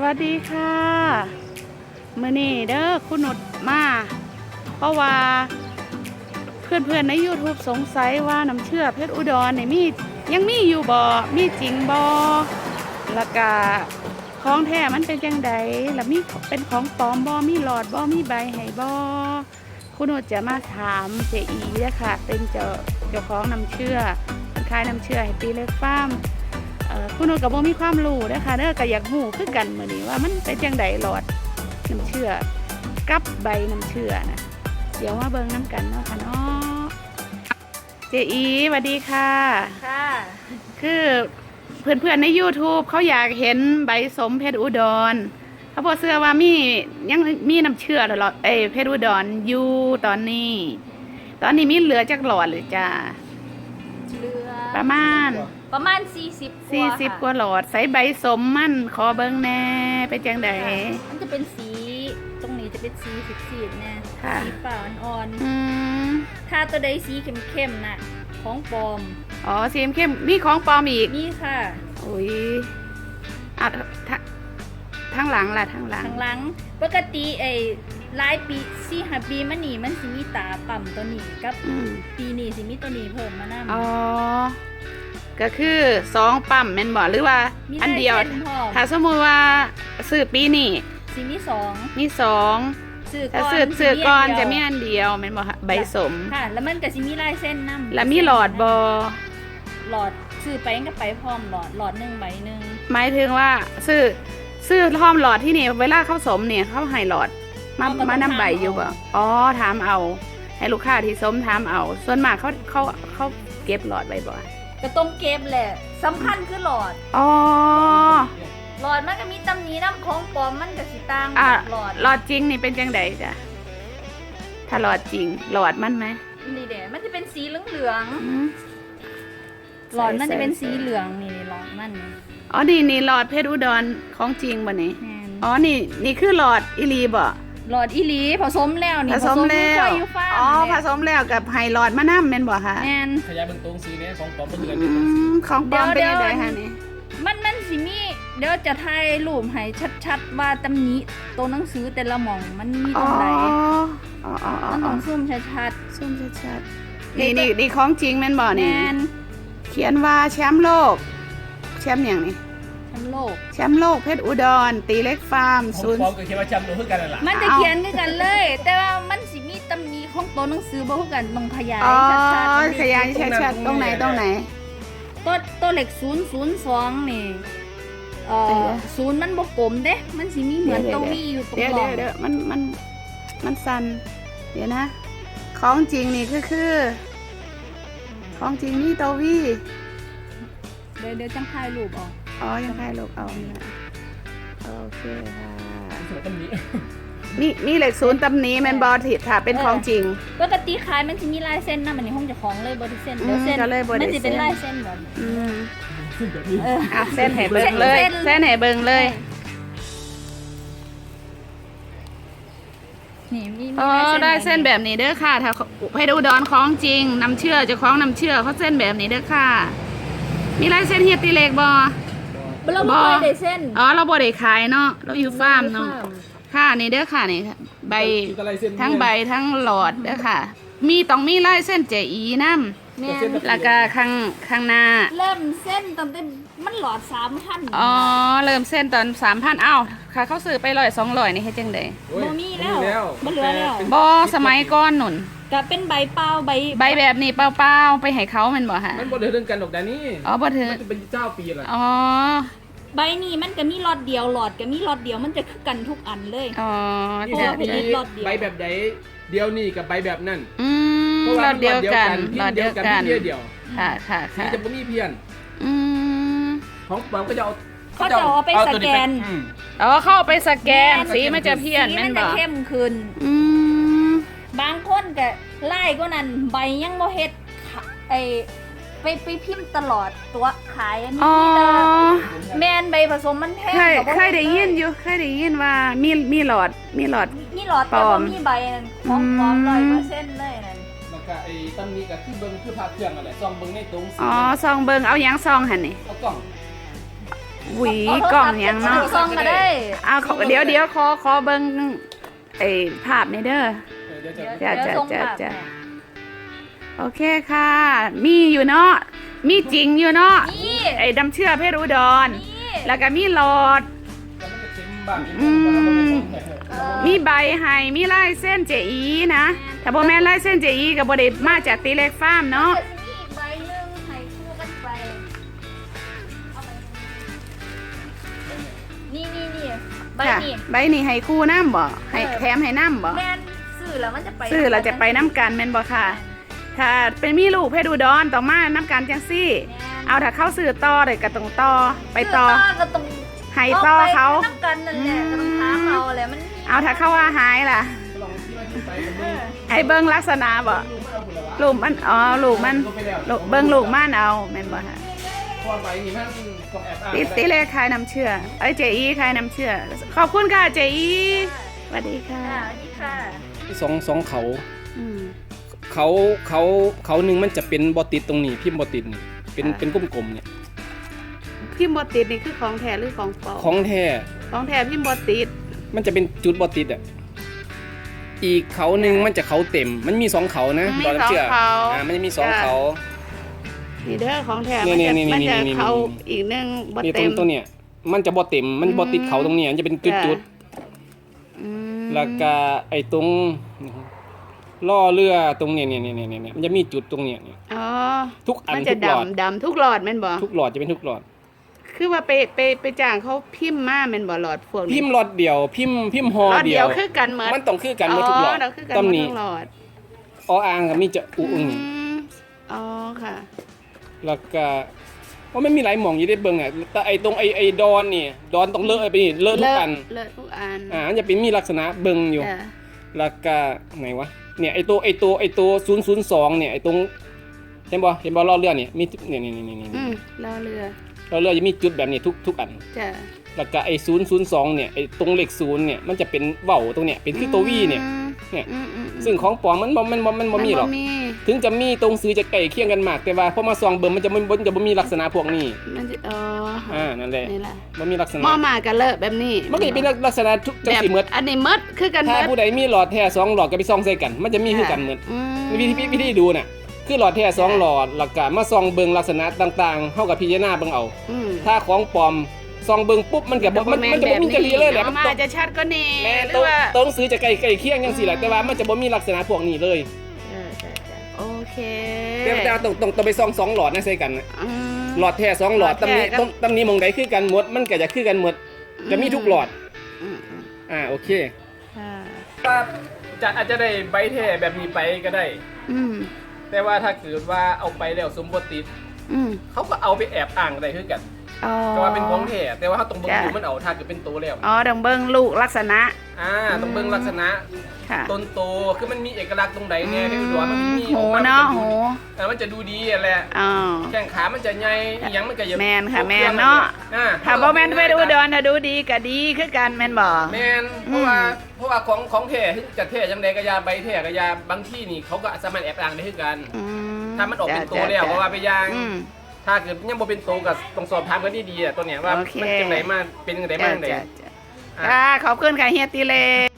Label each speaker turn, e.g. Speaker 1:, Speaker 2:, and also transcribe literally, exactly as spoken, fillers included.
Speaker 1: วัสดีค่ะมื้อนี้เด้อคุณนุชมาเพราะว่าเพื่อนๆใน YouTube สงสัยว่าน้ำเชื่อเพชรอุดรเนี่ยมียังมีอยู่บ่มีจริงบ่แล้วก็ของแท้มันเป็นจังใดแล้วมีเป็นของปลอมบ่มีหลอดบ่มีใบให้บ่คุณนุชจะมาถามเจอีเด้อค่ะเป็นเจ้าเจ้าของน้ำเชื่อเป็นขายน้ำเชื่อให้ตีเล็กฟาร์มคุณนุชกับโบมีความรู้นะคะเด้อก็อยากหูคือกันมื้อนี้ว่ามันเป็นจังไดหลอดน้ำเชื่อกับใบน้ำเชื่อนะเดี๋ยวมาเบิ่งน้ำกันเนาะค่ะเนาะเจอีสวัสดีค่ะ
Speaker 2: ค่ะ
Speaker 1: คือเพื่อนๆใน YouTube เขาอยากเห็นใบสมเพชรอุดรเขาบอกเสื้อว่ามียังมีน้ำเชื่อหลอดเอ้เพชรอุดรอยู่ตอนนี้ ตอนนี้มีเหลือจักหลอดหรือจ้า
Speaker 2: เหลือ
Speaker 1: ประมาณ
Speaker 2: ประมาณสี่สิบ
Speaker 1: สี่สิบกว่าหลอดใส่ใบสมมันขอเบิ้งแน่เป็นจังใด
Speaker 2: มันจะเป็นสีตรงนี้จะเป็นสีสีดๆนะสีฟ้าอ่อนๆถ้าตัวใดสีเข้มๆน่ะของปลอม
Speaker 1: อ๋อสีเข้มมีของปลอมอีก
Speaker 2: นี่ค่ะ
Speaker 1: อุ้ยอ่ะทั้งหลังล่ะทั้งหลัง
Speaker 2: ทั้งหลังปกติไอ้หลายปีสี่ห้าปีมันนี่มันสิมีตาปั่มตัวนี้กับปีนี้สิมีตัวนี้เพิ่มมานะ
Speaker 1: อ๋อก็คือสองปั๊มแม่นบ่หรือว่าอันเดียวถ้าสมมุติว่าซื้อปีนี้
Speaker 2: สิมีสอง
Speaker 1: มีสองถ้าซื้อซื้อก่อนจะมีอันเดียวแม่นบ่ใบสม
Speaker 2: ค่ะแล้วมันก็สิมีลายเส้นนำ
Speaker 1: แล้วมีหลอดบ่
Speaker 2: หลอดซื้อไปก็ไปพร้อมหลอดหลอดนึงใบนึง
Speaker 1: หมายถึงว่าซื้อซื้อพร้อมหลอดที่นี่เวลาเขาสมเนี่ยเขาให้หลอดมามานำใบอยู่บ่อ๋อถามเอาให้ลูกค้าที่สมถามเอาส่วนมากเขาเขาเขาเก็บหลอดไว้บ่
Speaker 2: ก็ต้องเก็บแหละสำคัญคือหลอด
Speaker 1: อ๋อ
Speaker 2: หลอดมันก็มีตำหนิน้ำของปลอมมันก็สิต่าง
Speaker 1: หลอดหลอดจริงนี่เป็นจังไดจ้ะถ้าหลอดจริงหลอดมันไหม
Speaker 2: นี่เด้มันจะเป็นสีเหลืองๆหลอดมันจะเป็นสีเหลืองนี่หลอดมัน
Speaker 1: อ๋อนี่นี่หลอดเพชรอุดรของจริงบ่นี่อ๋อนี่นี่คือหลอดอีลีบ่
Speaker 2: หลอดอีหลีผสมแล้วนี่
Speaker 1: ผสมแล้วอ๋อผสมแล้วกับไฮหลอดมะน้ำแม่นบ่คะ
Speaker 2: แม่น
Speaker 3: ขยายเบิ่งตรงสีนี้ของปลอมเป็นเดือน
Speaker 1: ของปลอมเป็นยังไงคะนี่
Speaker 2: มันมันสิมีเดี๋ยวจะถ่ายรูปให้ชัดๆว่าตำหนิตัวหนังสือแต่ละหม่องมันมีตรงไหน
Speaker 1: อ๋ออ๋ออ๋อ
Speaker 2: มันต้องซูมชัด
Speaker 1: ๆซูมชัดๆนี่นี่นี่ของจริงแม่นบ่นี่เขียนว่าแชมป์โลกแชมป์อย่างนี้
Speaker 2: แชมป์โลก
Speaker 1: แชมป์โลกเพชรอุดรตีเล็กฟาร์ม
Speaker 3: ศูนย์ของก็เขียนว่าแชมป์โลกคือกันล่ะ
Speaker 2: มันจะเขียนคือกันเลยแต่ว่ามันสิมีตำหนิของตัวหนังสือบ่คือกันต้องขยาย
Speaker 1: ชัดๆขยายชัดๆตรงไหนตรงไหน
Speaker 2: ตัวตัวเลขศูนย์ ศูนย์ สองนี่เอ่อศูนย์มันบ่กลมเด้มันสิมีเหมือนตัววีอยู่ตรงกลาง
Speaker 1: เดี๋ยวเดี๋ยวมันมันมันสั่นเดี๋ยวนะของจริงนี่คือคือของจริงนี่ตัววี
Speaker 2: เดี๋ยวเดี๋ยวจังถ่ายรูปออก
Speaker 1: อ๋อยังถ่ายรูปเอาเนี่ยโอเคค่ะ
Speaker 3: สวยตำหนิ
Speaker 1: มีมีเหล็กศูนย์ตำหนิแมนบอทิดค่ะเป็นของจริง
Speaker 2: ปกติขายมันจะมีลายเส้นนะมันในห้องจะของเลยบอดี้เส้นเดี๋ยวเส้นมันจะเป็นลายเส้นแบบ
Speaker 1: อืมอ่ะเส้นแห่เบิ้งเลยเส้นแห่เบิ้งเลย
Speaker 2: นี่มี
Speaker 1: อ๋อได้เส้นแบบนี้เด้อค่ะถ้าให้ดูดอนของจริงน้ำเชื่อจะคล้องน้ำเชื่อเขาเส้นแบบนี้เด้อค่ะมีลายเส้นเฮียตีเล็กบอ
Speaker 2: เราบ่ได้เส้น
Speaker 1: อ๋อเราบ่ได้ขายเนาะเราอยู่ฟาร์มเนาะค่ะนี่เด้อค่ะนี่ใบทั้งใบทั้งหลอดเด้อค่ะมีต้องมีลายเส้นเจอีน้ำแล้วก็ข้างข้างหน้า
Speaker 2: เริ่มเส้นตอนมันหลอดสามพัน
Speaker 1: อ๋อเริ่มเส้นตอนสามพันอ้าวค่ะเขาซื้อไปร้อยสองร้อยนี่ให้จังได
Speaker 2: บ่มีแล้วบ่เหลือแล้ว
Speaker 1: บ่สมัยก่อนหนุน
Speaker 2: ก็เป็นใบเปล่าใบ
Speaker 1: ใบแบบนี้เปล่าๆไปให้เขามันบ่ฮะ
Speaker 3: มันบ่ได้ถึงกันดอกแต่นี่
Speaker 1: อ๋อบ่ถึง
Speaker 3: มันเป็นเจ้าปีละ
Speaker 1: อ๋อ
Speaker 2: ใบนี้มันก็มีหลอดเดียวหลอดก็มีหลอดเดียวมันจะคือกันทุกอันเลย
Speaker 1: อ๋อ
Speaker 3: เพราะว่าเป็นหลอดเดียวใบแบบใดเดียวนี่กับใบแบบนั่น
Speaker 1: อืมหลอดเดียวกันหลอดเดียวกัน
Speaker 3: เพี้ยเดียว
Speaker 1: ค่ะค่ะค่ะ
Speaker 3: นี่จะบ่มีเพี้ยน
Speaker 1: อืม
Speaker 3: ของปลอมก็จะเอา
Speaker 2: เขาจะเอาไปสแกน
Speaker 1: อ๋อเข้าไปสแกนสีมันจะเพี้ยน
Speaker 2: มันจะเข้มขึ้น
Speaker 1: อืม
Speaker 2: บางคนก็ไล่ก็นั่นใบยังบ่เฮ็ดไอไปไปพิมพ์ตลอดตัวขายอันนี้แมนใบผสมมันแพง
Speaker 1: เคยได้ยินอยู่เคยได้ยินว่ามีมีหลอดมีหลอด
Speaker 2: มีหลอดแต่ว่ามีใบนั่นของปลอมร้อยเปอร์เซ็นต์เลยนั่น
Speaker 3: แล้วก็ไอ้ตำหนิก็คือเบิ่งคือพาเครื่องนั่นแหละซองเบิ่งในตรง
Speaker 1: อ๋อซองเบิ่งเอาหยังซองหั่นนี่
Speaker 3: เอากล่อง
Speaker 1: อหวีกล่องหยังเนาะ
Speaker 2: ซองก็ได้
Speaker 1: เอาขอเดี๋ยวเดี๋ยวขอขอเบิ่งไอ้ภาพนี่เด้อ
Speaker 3: เดี๋ยวจะ
Speaker 2: เดี๋ยว
Speaker 1: จ้ะ
Speaker 2: เดี๋ยวส่ง
Speaker 1: จ้ะ
Speaker 2: ภาพ
Speaker 1: จ้ะ
Speaker 2: ให้
Speaker 1: โอเคค่ะ มีอยู่เนาะมีจริงอยู่เนาะ
Speaker 2: นี่
Speaker 1: ไอ้ดำเชื่อเพชรอุดร
Speaker 2: นี่
Speaker 1: แล้วก็มีหลอด
Speaker 3: แล้วมันจะเค็มบ้าง
Speaker 1: อืม
Speaker 2: เออ
Speaker 1: มีใบให้มีลายเส้นเจอีนะถ้าบ่แม่นลายเส้นเจอีก็บ่ได้มาจากตีเล็กฟาร์มเนาะ
Speaker 2: เดี๋ยวจะมีอีกใบหนึ่งให้คู่กันไปเอาไปนี่นี่นี่ใบ
Speaker 1: ค่ะ
Speaker 2: นี่
Speaker 1: ใบนี้ให้คู่น้ำบ่ให้
Speaker 2: เออ
Speaker 1: แถมให้น้ำบ่
Speaker 2: แม่นซื้อแล้วมันจะไป
Speaker 1: ซื้อเราจะไปน้ำกันแม่นบ่ค่ะ ถ้าเป็นมีลูกเพชรอุดรต้องมาน้ำกันจังซี่
Speaker 2: แม่น
Speaker 1: เอาถ้าเข้าซื้อต่อเลยก็ต้องต่อไปต่อ
Speaker 2: ซื้ก็ต้อง
Speaker 1: ให้ต่อเขา
Speaker 2: ไปน้ำกันนั่นแหละก็ต้องถามเอาแหละมัน
Speaker 1: เอาถ้าเข้าว่าหายล่ะ
Speaker 3: ลองที่ว่าที่ไปกันดู
Speaker 1: ให้เบิ่งลักษณะบ่
Speaker 3: ลูกมันเอาผลละวะ
Speaker 1: ลูกมันอ๋อลูกมันลูกเบิ่งลูกมันเอาแม่นบ่ค่ะ
Speaker 3: เพราะว่าใบนี่มันต้องแอบอ้าง
Speaker 1: ติติเลขขายน้ำเชื่อเอ้ยเจอีขายน้ำเชื่อขอบคุณค่ะเจอีสวัสดีค่ะ
Speaker 2: อ่านี่ค่ะ
Speaker 3: สองสองเขา
Speaker 1: อืม
Speaker 3: เขาเขาเขาหนึ่งมันจะเป็นบอติดตรงนี้พิมพ์บอติดนี่เป็น
Speaker 1: อ่า
Speaker 3: เป็นกลมๆเนี่ย
Speaker 1: พิมพ์บติดนี่คือของแท้หรือของปลอม
Speaker 3: ของแท้
Speaker 1: ของแท้พิมพ์บติด
Speaker 3: มันจะเป็นจุดบอติดอ่ะอีกเขาหนึ่งมันจะเขาเต็ม มันมีสองเขานะ
Speaker 1: มี
Speaker 3: ตอน
Speaker 1: สอง
Speaker 3: เชื่อ
Speaker 1: เขา
Speaker 3: อ่ามันจะมีสอง
Speaker 1: จ้ะ
Speaker 3: เขา
Speaker 1: นี่เด้อของแท้
Speaker 3: นี่
Speaker 1: มันจะ
Speaker 3: นี่นี่
Speaker 1: มันจะ
Speaker 3: นี่นี่
Speaker 1: เขาอีกหนึงบ
Speaker 3: นี่ตร
Speaker 1: เต็
Speaker 3: ง
Speaker 1: ม
Speaker 3: ตัวเนี้ยมันจะบอเต็มมันบอติด
Speaker 1: อืม
Speaker 3: เขาตรงเนี้ยมันจะเป็นจุด
Speaker 1: จ้ะ
Speaker 3: จุด
Speaker 1: อืม
Speaker 3: แล้วก็ไอ้ตรงล่อเรือตรงเนี้ยเนี่ยเนี่ยเนี่ยเนี่ยมันจะมีจุดตรงเนี้ยเนี่ย
Speaker 1: อ๋อ
Speaker 3: ทุกอัน
Speaker 1: มันจะ
Speaker 3: ทุกหลอด
Speaker 1: ดำดำทุกหลอดแม่นบ่
Speaker 3: ทุกหลอดจะเป็นทุกหลอด
Speaker 1: คือว่าไปไปไปจ้างเขาพิมพ์มาแม่นบ่หลอดพวกนี้
Speaker 3: พิมพ์หลอดเดียวพิมพ์พิมพ์ฮอ
Speaker 1: หลอด
Speaker 3: เดี
Speaker 1: เดี
Speaker 3: ย
Speaker 1: ยว วคือกันหมด
Speaker 3: มันต้องคือกันหมดทุกหลอด
Speaker 1: เราคือกัน
Speaker 3: ตำ
Speaker 1: หมด
Speaker 3: นี้
Speaker 1: ทุกหลอด
Speaker 3: ออ่างกับมีจะอุอึง
Speaker 1: มอ๋อค่ะ
Speaker 3: แล้วก็ว่ามันมีหลายหม่องอยู่ได้เบิ่งอ่ะแต่ไอ้ตรงไอ้ไอ้ดอนนี่ดอนต้องเลอะไปนี่เลอะทุกอัน
Speaker 1: เลอะทุกอัน
Speaker 3: อ่ามันจะเป็นมีลักษณะเบิ่งอยู่
Speaker 1: จ้ะ
Speaker 3: แล้วก็ไหนวะเนี่ยไอ้ตัวไอ้ตัวไอ้ตัวศูนย์ศูนย์สองเนี่ยไอ้ตรงเห็นบ่เห็นบ่ล้อเรือเนี่ยมีเนี่ยนี่นี่นี่นี่
Speaker 1: อืมรอเรือ
Speaker 3: ล้อเรือจะมีจุดแบบนี้ทุกทุกอัน
Speaker 1: จ้ะ
Speaker 3: แล้วก็ไอ้ศูนย์ศูนย์สองเนี่ยไอ้ตรงเลขศูนย์เนี่ยมันจะเป็นเว้าตรงเนี่ยเป็นคือตัววีเนี่ย เนี่ย
Speaker 1: อืมอืมอืม
Speaker 3: ซึ่งของปลอมมันบ่มันบ่มันบ่มีหรอก
Speaker 1: นมี
Speaker 3: ถึงจะมีตรงซื้อจะใกล้เคียงกันมาก แต่ว่าพอมาส่องเบิ่งมันจะบ่มันจะบ่มีลักษณะพวกนี้
Speaker 1: มันจะอ๋อ
Speaker 3: อ่านั่นแหละ
Speaker 1: นี่แหละ
Speaker 3: บ่มีลักษณะ
Speaker 1: หม้อมากันเลอะแบบนี้
Speaker 3: มันก็จะเป็นลักษณะทุกจัง
Speaker 1: แบบ
Speaker 3: สิหมด
Speaker 1: อันนี้หมดคือกันหม
Speaker 3: ถ้า
Speaker 1: ด
Speaker 3: ผู้ใดมีหลอดแท้สองหลอดก็ไปส่องใส่กัน มันจะมีคือกันหมด
Speaker 1: อืม
Speaker 3: วิธีวิธีดูน่ะคือหลอดแท้สองหลอดหลักการมาส่องเบิ่งลักษณะต่างๆเฮากับพิจารณาเบิ่งเอา
Speaker 1: อืม
Speaker 3: ถ้าของปลอมส่องเบิ่งปุ๊บมันก็บ่มันมันจะบ่มีจริตเลยแหละ
Speaker 1: อา
Speaker 3: มัน
Speaker 1: มา
Speaker 3: ต้อง
Speaker 1: จะชัดก็นี่
Speaker 3: แม่
Speaker 1: หรื
Speaker 3: ต้อ
Speaker 1: อง ว่า
Speaker 3: ต้องซื้อจะใกล้ใกล้เคียงจังซี่แหละแต่ว่ามันจะบ่มีลักษณะพวกนี้เลย
Speaker 1: เออจ้ะจ้ะโอเค
Speaker 3: แต่แต่ว่าต้องต้องต้องไปส่องสองหลอดนะใส่กันน่ะ
Speaker 1: อืม
Speaker 3: หลอดแท้สองหลอด
Speaker 1: หลอด
Speaker 3: ตำ
Speaker 1: แท้
Speaker 3: นี้
Speaker 1: ก็
Speaker 3: ตำตำนี้หมองใดคือกันหมดมันก็จะคือกันหมดจะมีทุกหลอด
Speaker 1: อืมอืม
Speaker 3: อ่าโอเค
Speaker 1: ค่ะ
Speaker 3: จะอาจจะได้ใบแท้แบบนี้ไปก็ได้
Speaker 1: อืม
Speaker 3: แต่ว่าถ้าเกิดว่าเอาไปแล้วสมบูรณ์ติด
Speaker 1: อืม
Speaker 3: เขาก็เอาไปแอบอ้างได้คือกัน
Speaker 1: อ๋อ
Speaker 3: แต่ว่าเป็นของแท้แต่ว่าเขาต้องเบิ่ง
Speaker 1: จ้ะ
Speaker 3: ดูมันเอาถ้าเกิดเป็นโตแล้ว
Speaker 1: อ๋อต้องเบิ่งลูกลักษณะ
Speaker 3: อ่าต้องเบิ่งลักษณะ
Speaker 1: ค่ะ
Speaker 3: ต้นโตคือมันมีเอกลักษณ์ตรงไหนเนี่ยที่ดูว่ามันมี
Speaker 1: โห
Speaker 3: ออกมา
Speaker 1: เนาะ
Speaker 3: มั
Speaker 1: โห
Speaker 3: จะดูดีเออมันจะดูดีอะแหละ
Speaker 1: อ๋อ
Speaker 3: แข้งขามันจะใหญ่อีหยังมันก็จะ
Speaker 1: แม่นค่ะ
Speaker 3: รบ
Speaker 1: แม่น
Speaker 3: ครื่อง
Speaker 1: เนาะ
Speaker 3: อ่า
Speaker 1: ถ้าบ่แม่นไปดูดอนถ้าดูดีก็ดีคือกันแม่นบ่
Speaker 3: แม่นเพราะว่าเพราะว่าของของแท้ที่จะแท้จังใดก็ยาใบแท้ก็ยาบางที่นี่เขาก็สามารถแอบอ้างได้คือกัน
Speaker 1: อื
Speaker 3: ถ้ามันออกเป็น
Speaker 1: จ้ะ
Speaker 3: ตัวแล้ว
Speaker 1: จ้ะ
Speaker 3: ก็ว่าไปอยาง
Speaker 1: อืม
Speaker 3: ถ้าเกิดยังบ่เป็นตัวก็ต้องสอบถามกันดีๆอ่ะตัวเนี้ยว่า
Speaker 1: โอเค
Speaker 3: มันจังไดมาเป็นจังไดมาจังได
Speaker 1: จ้ะจ้ะจ้ะค่ะขอบคุณค่ะเฮียตีเล